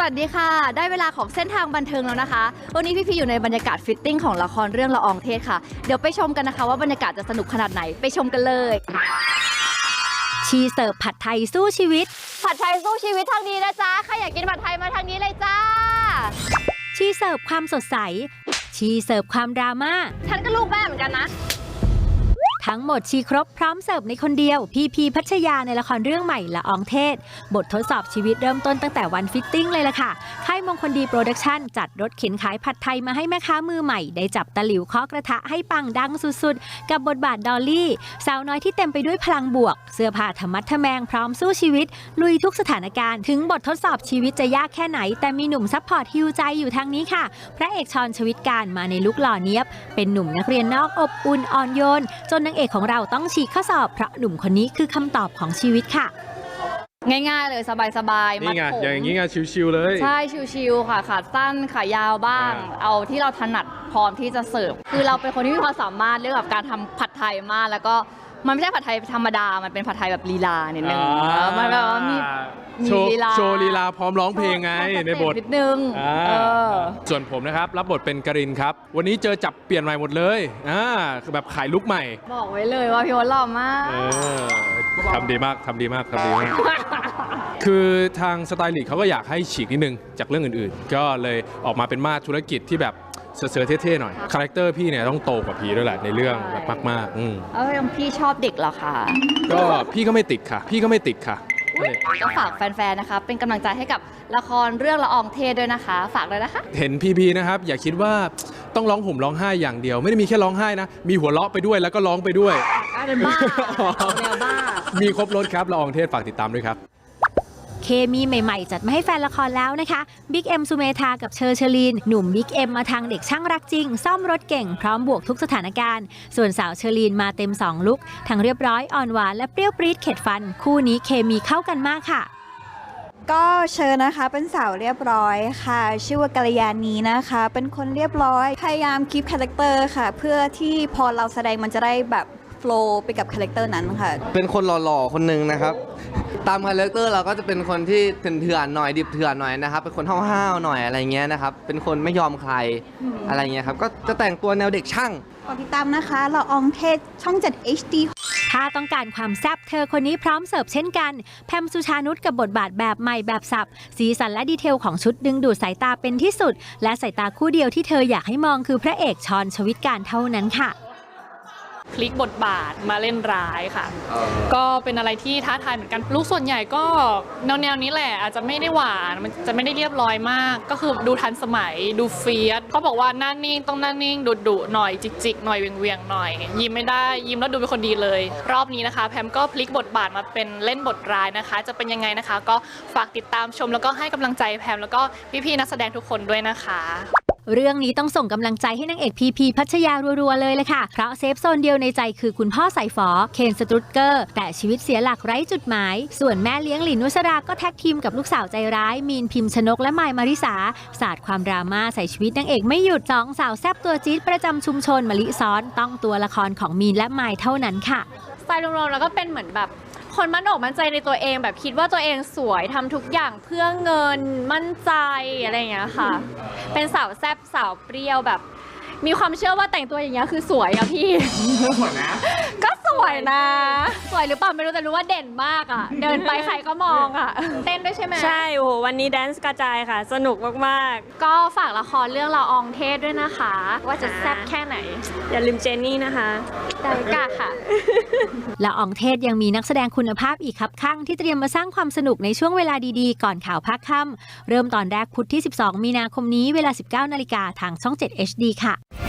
วัสดีค่ะได้เวลาของเส้นทางบันเทิงแล้วนะคะวันนี้พี่ๆอยู่ในบรรยากาศฟิตติ้งของละครเรื่องละอองเทศค่ะเดี๋ยวไปชมกันนะคะว่าบรรยากาศจะสนุกขนาดไหนไปชมกันเลยชีเสิร์ฟผัดไทยสู้ชีวิตผัดไทยสู้ชีวิตทางนี้นะจ๊ะใครอยากกินผัดไทยมาทางนี้เลยจ้าชีเสิร์ฟความสดใสชีเสิร์ฟความดราม่าฉันก็ลูกแม่เหมือนกันนะทั้งหมดชีครบพร้อมเสิร์ฟในคนเดียวพีพัชยาในละครเรื่องใหม่ละอองเทศบททดสอบชีวิตเริ่มต้นตั้งแต่วันฟิตติ้งเลยล่ะค่ะค่ายมงคลดีโปรดักชั่นจัดรถเข็นขายผัดไทยมาให้แม่ค้ามือใหม่ได้จับตะหลิวเคาะกระทะให้ปังดังสุดๆกับบทบาทดอลลี่สาวน้อยที่เต็มไปด้วยพลังบวกเสื้อผ้าธรรมัดทะแมงพร้อมสู้ชีวิตลุยทุกสถานการณ์ถึงบททดสอบชีวิตจะยากแค่ไหนแต่มีหนุ่มซัพพอร์ตฮิวใจอยู่ทางนี้ค่ะพระเอกชรชวิตการมาในลุคหล่อเนี๊ยบเป็นหนุ่มนักเรียนนอกอบอุ่นอ่อนโยนจนนางเอกของเราต้องฉีกข้อสอบเพราะหนุ่มคนนี้คือคำตอบของชีวิตค่ะง่ายๆเลยสบายๆนี่ไงอย่างนี้ไงชิวๆเลยใช่ชิวๆค่ะขาสั้นขายาวบ้างเอาที่เราถนัดพร้อมที่จะเสิร์ฟคือเราเป็นคนที่มีความสามารถเรื่องกับการทำผัดไทยมากแล้วก็มันไม่ใช่ผัดไทยธรรมดามันเป็นผัดไทยแบบลีลานิดนึงมันแบบว่ามีลีลาโชว์ลีลาพร้อมร้องเพลงไงในบทนิดนึงส่วนผมนะครับรับบทเป็นกรินครับวันนี้เจอจับเปลี่ยนใหม่หมดเลยคือแบบขายลุคใหม่บอกไว้เลยว่าพี่วอนหล่อมากทำดีมากคือทางสไตลิสต์เขาก็อยากให้ฉีกนิดนึงจากเรื่องอื่นๆก็เลยออกมาเป็นมาธุรกิจที่แบบเสือเท่ๆหน่อยคาแรคเตอร์พี่เนี่ยต้องโตกว่าพี่ด้วยแหละในเรื่องแบบมากๆพี่ชอบเด็กเหรอคะก็พี่ก็ไม่ติดค่ะก็ฝากแฟนๆนะคะเป็นกำลังใจให้กับละครเรื่องละอองเทศด้วยนะคะฝากเลยนะคะเห็นพีนะครับอย่าคิดว่าต้องร้องห่มร้องไห้อย่างเดียวไม่ได้มีแค่ร้องไห้นะมีหัวเราะไปด้วยแล้วก็ร้องไปด้วยเป็นบ้าแนวบ้ามีครบรถครับละอองเทศฝากติดตามด้วยครับเคมีใหม่ๆจัดมาให้แฟนละครแล้วนะคะบิ๊กเอ็มสุเมธากับเชอร์ลีนหนุ่มบิ๊กเอ็มมาทางเด็กช่างรักจริงซ่อมรถเก่งพร้อมบวกทุกสถานการณ์ส่วนสาวเชอร์ลีนมาเต็ม2ลุคทั้งเรียบร้อยอ่อนหวานและเปรี้ยวปรี๊ดเข็ดฟันคู่นี้เคมีเข้ากันมากค่ะก็เชิญนะคะเป็นสาวเรียบร้อยค่ะชื่อว่ากัลยาณีนะคะเป็นคนเรียบร้อยพยายามคีปคาแรคเตอร์ค่ะเพื่อที่พอเราแสดงมันจะได้แบบโฟลว์ไปกับคาแรคเตอร์นั้นค่ะเป็นคนหล่อๆคนหนึ่งนะครับตามคาแรคเตอร์เราก็จะเป็นคนที่เถื่อนๆหน่อยดิบเถื่อนหน่อยนะครับเป็นคนห้าวๆหน่อยอะไรเงี้ยนะครับเป็นคนไม่ยอมใครอะไรเงี้ยครับก็จะแต่งตัวแนวเด็กช่างกดติดตามนะคะละอองเทศช่อง 7 HD ถ้าต้องการความแซ่บเธอคนนี้พร้อมเสิร์ฟเช่นกันแพมสุชานุชกับบทบาทแบบใหม่แบบสับสีสันและดีเทลของชุดดึงดูดสายตาเป็นที่สุดและสายตาคู่เดียวที่เธออยากให้มองคือพระเอกชรชวิตการเท่านั้นค่ะพลิกบทบาทมาเล่นร้ายค่ะก็เป็นอะไรที่ท้าทายเหมือนกันลูกส่วนใหญ่ก็แนวนี้แหละอาจจะไม่ได้หวานมันจะไม่ได้เรียบร้อยมากก็คือดูทันสมัยดูเฟียสเขาบอกว่าหน้านิ่งต้องหน้านิ่งดุหน่อยจิกหน่อยเวียงหน่อยยิ้มไม่ได้ยิ้มแล้วดูเป็นคนดีเลยรอบนี้นะคะแพมก็พลิกบทบาทมาเป็นเล่นบทร้ายนะคะจะเป็นยังไงนะคะก็ฝากติดตามชมแล้วก็ให้กำลังใจแพมแล้วก็พี่ๆนักแสดงทุกคนด้วยนะคะเรื่องนี้ต้องส่งกำลังใจให้นางเอกพีพัชยารัวๆเลยเลยค่ะเพราะเซฟโซนเดียวในใจคือคุณพ่อสายฝอเคนสตรุตเกอร์แต่ชีวิตเสียหลักไร้จุดหมายส่วนแม่เลี้ยงหลินนุสราก็แท็กทีมกับลูกสาวใจร้ายมีนพิมพ์ชนกและไมล์มาริสาสาดความดราม่าใส่ชีวิตนางเอกไม่หยุดสองสาวแซ่บตัวจี๊ดประจำชุมชนมะลิซ้อนต้องตัวละครของมีนและไมล์เท่านั้นค่ะสไตล์รวมๆแล้วก็เป็นเหมือนแบบคนมั่นอกมั่นใจในตัวเองแบบคิดว่าตัวเองสวยทำทุกอย่างเพื่อเงินมั่นใจอะไรอย่างเงี้ยค่ะเป็นสาวแซ่บสาวเปรี้ยวแบบมีความเชื่อว่าแต่งตัวอย่างเงี้ยคือสวยอะพี่สวยนะก็สวยนะสวยหรือเปล่าไม่รู้แต่รู้ว่าเด่นมากอะเดินไปใครก็มองอะเต้นด้วยใช่ไหมใช่โอ้โหวันนี้แดนซ์กระจายค่ะสนุกมากๆก็ฝากละครเรื่องละอองเทศด้วยนะคะว่าจะแซ่บแค่ไหนอย่าลืมเจนนี่นะคะได้ค่ะละอองเทศยังมีนักแสดงคุณภาพอีกครับข้างที่เตรียมมาสร้างความสนุกในช่วงเวลาดีๆก่อนข่าวภาคค่ำเริ่มตอนแรกพุธที่12 มีนาคมนี้เวลา 19 นาฬิกาทางช่อง 7 HD ค่ะ